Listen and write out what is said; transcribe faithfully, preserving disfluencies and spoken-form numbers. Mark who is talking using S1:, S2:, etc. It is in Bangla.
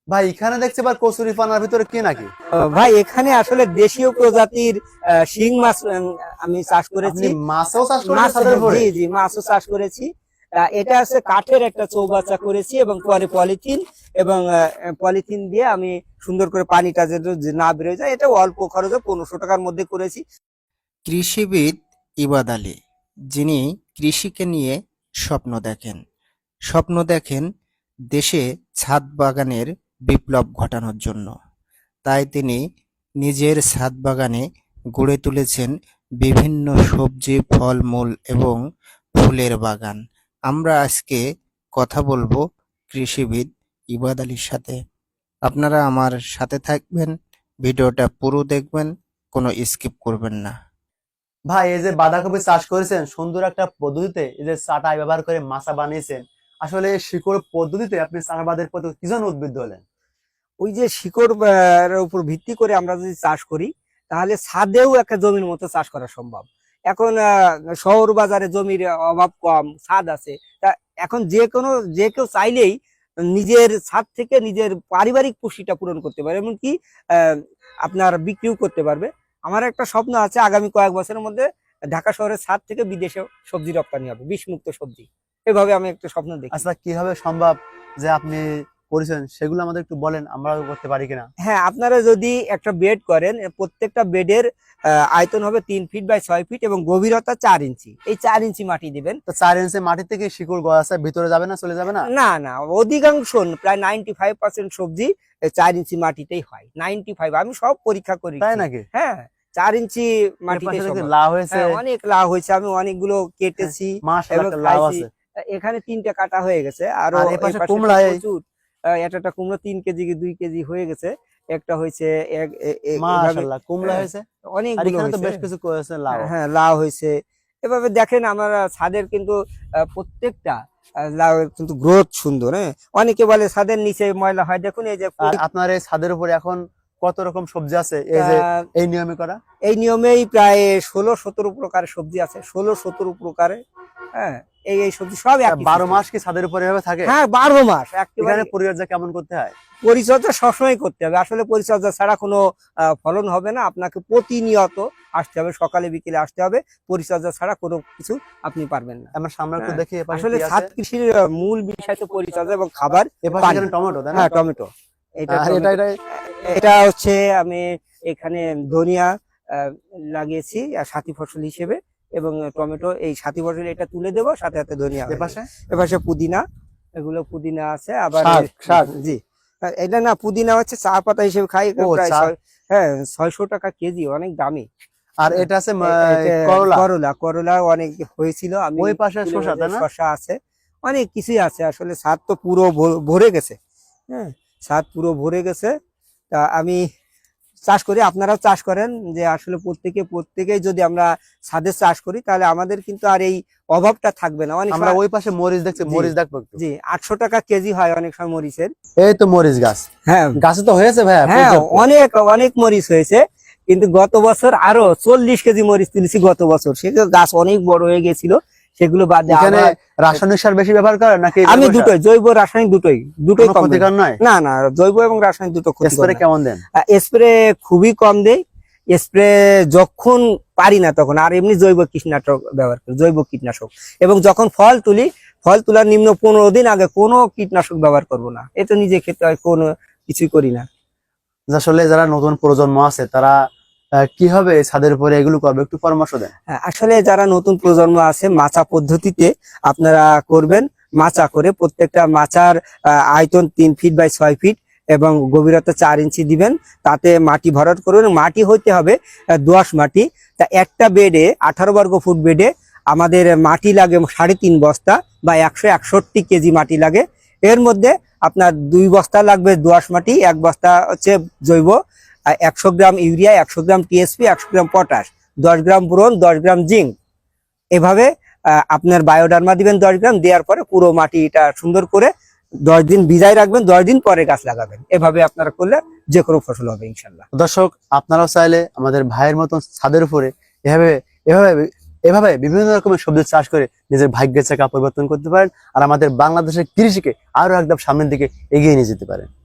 S1: ভাই এখানে দেখছি আবার কচুরি পানার ভিতরে কি নাকি?
S2: আহ, ভাই এখানে আসলে দেশীয় প্রজাতির আহ, শিং মাছ উম, আমি চাষ করেছি।
S1: আপনি মাছও চাষ করেছেন
S2: মাছ,
S1: ছাদের উপরে?
S2: জি জি, মাছও চাষ করেছি। আহ, এটা হচ্ছে কাঠের একটা চৌবাচ্চা করেছি এবং পরে পলিথিন এবং পলিথিন দিয়ে আমি সুন্দর করে পানিটা যেন যে না বেরোয় যায়, এটা অল্প খরচে পনেরোশো টাকার মধ্যে করেছি।
S3: কৃষিবিদ ইবাদ আলী, যিনি কৃষিকে নিয়ে স্বপ্ন দেখেন। স্বপ্ন দেখেন দেশে ছাদ বাগানের বিপ্লব ঘটানোর জন্য। তাই তিনি নিজের ছাদ বাগানে গড়ে তুলেছেন বিভিন্ন সবজি, ফলমূল এবং ফুলের বাগান। আমরা আজকে কথা বলবো কৃষিবিদ ইবাদ আলীর সাথে। আপনারা আমার সাথে থাকবেন, ভিডিওটা পুরো দেখবেন, কোনো স্কিপ করবেন না।
S1: ভাই এই যে বাঁধাকপি চাষ করেছেন সুন্দর একটা পদ্ধতিতে, এই যে চাটাই ব্যবহার করে মাচা বানিয়েছেন, আসলে এই শিকড় পদ্ধতিতে আপনি চাষাবাদের প্রতি কি জন্য উদ্বুদ্ধ হলেন?
S2: ওই যে শিকড় আহ, এর উপর ভিত্তি করে আমরা যদি চাষ করি, তাহলে ছাদেও একটা জমির মতো চাষ করা সম্ভব। এখন আহ, শহর বাজারে জমির অভাব কম, ছাদ আছে। তা এখন যে কোনো যে কেউ চাইলেই নিজের ছাদ থেকে নিজের পারিবারিক পুষ্টিটা পূরণ করতে পারে, এমনকি আহ, আপনার বিক্রিও করতে পারবে। আমার একটা স্বপ্ন আছে, আগামী কয়েক বছরের মধ্যে ঢাকা শহরের ছাদ থেকে বিদেশে সবজি রপ্তানি হবে, বিষমুক্ত সবজি। এভাবে আমি একটা স্বপ্ন দেখি।
S1: আচ্ছা কিভাবে সম্ভব যে আপনি করেছেন সেগুলো আমাদের একটু বলেন, আমরাও করতে পারি কিনা।
S2: হ্যাঁ, আপনারা যদি একটা বেড করেন, প্রত্যেকটা বেডের আয়তন হবে তিন ফিট বাই ছয় ফিট এবং গভীরতা চার ইঞ্চি। এই চার ইঞ্চি মাটি দিবেন।
S1: তো চার ইঞ্চি মাটি থেকে শিকড় গাছের ভিতরে যাবে না, চলে যাবে না?
S2: না না, অধিকাংশ প্রায় নাইনটি ফাইভ পার্সেন্ট সবজি এই চার ইঞ্চি মাটিতেই হয়। নাইনটি ফাইভ, আমি সব পরীক্ষা করি।
S1: তাই নাকি?
S2: হ্যাঁ, চার ইঞ্চি
S1: এর
S2: মাটিতে
S1: পাশে দেখি
S2: সম্ভব।
S1: লাউ হয়েছে।
S2: হ্যাঁ, অনেক লাউ হয়েছে, আমি অনেকগুলো কেটেছি
S1: মাশাআল্লাহ,
S2: এবং
S1: একটা লাউ
S2: খাইছি।
S1: আছে।
S2: এখানে তিনটা কাটা হয়ে গেছে, আরো
S1: আর এই
S2: এই
S1: পাশে
S2: পাশে
S1: কুমড়া, এই
S2: প্রচুর। আহ, একটা একটা কুমড়ো তিন কেজি কি দুই কেজি হয়ে গেছে। একটা হয়েছে এক এ- এ- এভাবে
S1: মাশাআল্লাহ কুমড়া
S2: হ্যাঁ,
S1: হয়েছে। আর
S2: অনেকগুলো
S1: এখানে তো
S2: হয়েছে।
S1: বেশ কিছু করেছে লাউ।
S2: হ্যাঁ হ্যাঁ, লাউ হয়েছে। এভাবে দেখেন আমার ছাদের কিন্তু আহ, প্রত্যেকটা আহ, লাউ কিন্তু গ্রোথ সুন্দর। হ্যাঁ, অনেকে বলে ছাদের নিচে ময়লা হয়, দেখুন এই যে
S1: আর আপনার এই ছাদের উপরে এখন কত রকম সবজি আছে এই যে
S2: আহ,
S1: এই নিয়মে করা?
S2: এই নিয়মেই প্রায় ষোলো সতেরো প্রকারের সবজি আছে, ষোলো সতেরো প্রকারের। হ্যাঁ, এই এই সবজি সব
S1: তা
S2: একই
S1: বারো
S2: system।
S1: মাস কি ছাদের উপরে এভাবে থাকে?
S2: হ্যাঁ, বারো মাস একেবারে।
S1: এখানে পরিচর্যা কেমন করতে হয়?
S2: পরিচর্যা সবসময় করতে হবে, আসলে পরিচর্যা ছাড়া কোনো আহ, ফলন হবে না। আপনাকে প্রতিনিয়ত আসতে হবে, সকালে বিকেলে আসতে হবে। পরিচর্যা ছাড়া কোনো কিছু আপনি পারবেন না।
S1: আমরা সামনে একটু
S2: হ্যাঁ,
S1: দেখি এপাশে
S2: আসলে
S1: কি
S2: ছাদ
S1: আছে।
S2: কৃষির আহ, মূল বিষয় তো পরিচর্যা এবং খাবার।
S1: এপাশে
S2: পানি।
S1: এখানে টমেটো, তাই না?
S2: হ্যাঁ, টমেটো। এটা
S1: আর এটা
S2: টমেটো।
S1: এটা
S2: এটা হচ্ছে আমি এখানে ধনিয়া আহ, লাগিয়েছি আর সাথী ফসল হিসেবে, এবং টমেটো এই সাথী ফসল এটা তুলে দেবো, সাথে সাথে ধনিয়া হয়ে
S1: এপাশে
S2: যাবে। এপাশে পুদিনা, এগুলো পুদিনা আছে আবার।
S1: শাক, শাক।
S2: জি, আর এটা না, পুদিনা হচ্ছে চা পাতা হিসেবে খাই,
S1: ও,
S2: প্রায়
S1: চা।
S2: ছয়- হ্যাঁ ছয়শো টাকা কেজি, অনেক দামি।
S1: আর এটা আছে
S2: এ- এটা
S1: করলা।
S2: করলা, করলা অনেক হয়েছিল। আমি
S1: ওই পাশে
S2: তুলে
S1: শসা,
S2: বলছি,
S1: তাই না?
S2: শসা আছে, অনেক কিছুই আছে। আসলে ছাদ তো পুরো ভ- ভরে গেছে। হ্যাঁ, ছাদ পুরো ভরে গেছে। তা আমি চাষ করি, আপনারাও চাষ করেন। যে আসলে প্রত্যেকে প্রত্যেকেই যদি আমরা ছাদে চাষ করি, তাহলে আমাদের কিন্তু আর এই অভাবটা থাকবে না। অনেক
S1: আমরা
S2: সময়
S1: ওই পাশে মরিচ দেখছি,
S2: জি,
S1: মরিচ দেখবো একটু।
S2: জি, আটশো টাকা কেজি হয় অনেক সময় মরিচের।
S1: এই তো মরিচ গাছ,
S2: হ্যাঁ
S1: গাছে তো হয়েছে ভাইয়া
S2: হ্যাঁ,
S1: পর্যাপ্ত।
S2: অনেক অনেক মরিচ হয়েছে। কিন্তু গত বছর আরো চল্লিশ কেজি মরিচ তুলেছি গত বছর। সেগুলো গাছ অনেক বড় হয়ে গেছিল, সেগুলো বাদে
S1: এখানে
S2: আবার
S1: রাসায়নিক সার বেশি ব্যবহার করে নাকি
S2: আমি
S1: জৈব সার?
S2: দুটোই, জৈব রাসায়নিক দুটোই, দুটোই
S1: কোনো
S2: কম দেই।
S1: ক্ষতিকর নয়?
S2: না না, জৈব এবং রাসায়নিক দুটো ক্ষতিকর
S1: স্প্রে
S2: না।
S1: কেমন দেন?
S2: স্প্রে খুবই কম দেই। স্প্রে যখন পারি না তখন, আর এমনি জৈব কীটনাশক ব্যবহার করি, জৈব কীটনাশক। এবং যখন ফল তুলি, ফল তোলার নিম্ন পনেরো দিন আগে কোনো কীটনাশক ব্যবহার করব না। এটা নিজে খেতে হয়, কোনো কিছুই করি না।
S1: আসলে যারা নতুন প্রজন্ম আছে তারা আহ, কিভাবে এই ছাদের উপরে এগুলো করবে, একটু পরামর্শ দেন।
S2: হ্যাঁ, আসলে যারা নতুন প্রজন্ম আছে, মাচা পদ্ধতিতে আপনারা করবেন। মাচা করে প্রত্যেকটা মাচার আহ, আয়তন তিন ফিট বাই ছয় ফিট এবং গভীরতা চার ইঞ্চি দিবেন। তাতে মাটি ভরাট করবেন। মাটি হইতে হবে আহ, দোআঁশ মাটি। তা একটা বেডে, আঠারো বর্গ ফুট বেডে আমাদের মাটি লাগে সাড়ে তিন বস্তা বা একশো একষট্টি কেজি মাটি লাগে। এর মধ্যে আপনার দুই বস্তা লাগবে দোআঁশ মাটি, এক বস্তা হচ্ছে জৈব, আর একশো গ্রাম ইউরিয়া, একশো গ্রাম টিএসপি, একশো গ্রাম পটাশ, দশ গ্রাম বোরন, দশ গ্রাম জিঙ্ক। এভাবে আহ, আপনার বায়োডার্মা দিবেন দশ গ্রাম, দেওয়ার পরে পুরো মাটিটা সুন্দর করে দশ দিন ভিজাই রাখবেন, দশ দিন পরে গাছ লাগাবেন। এভাবে আপনারা করলে যে কোনো ফসল হবে ইনশাল্লাহ।
S1: দর্শক আপনারাও চাইলে আমাদের ভাইয়ের মতন ছাদের উপরে এভাবে এভাবে এভাবে বিভিন্ন রকমের সবজি চাষ করে নিজের ভাগ্যের চাকা পরিবর্তন করতে পারেন আর আমাদের বাংলাদেশের কৃষিকে আরো একদম সামনের দিকে এগিয়ে নিয়ে যেতে পারেন।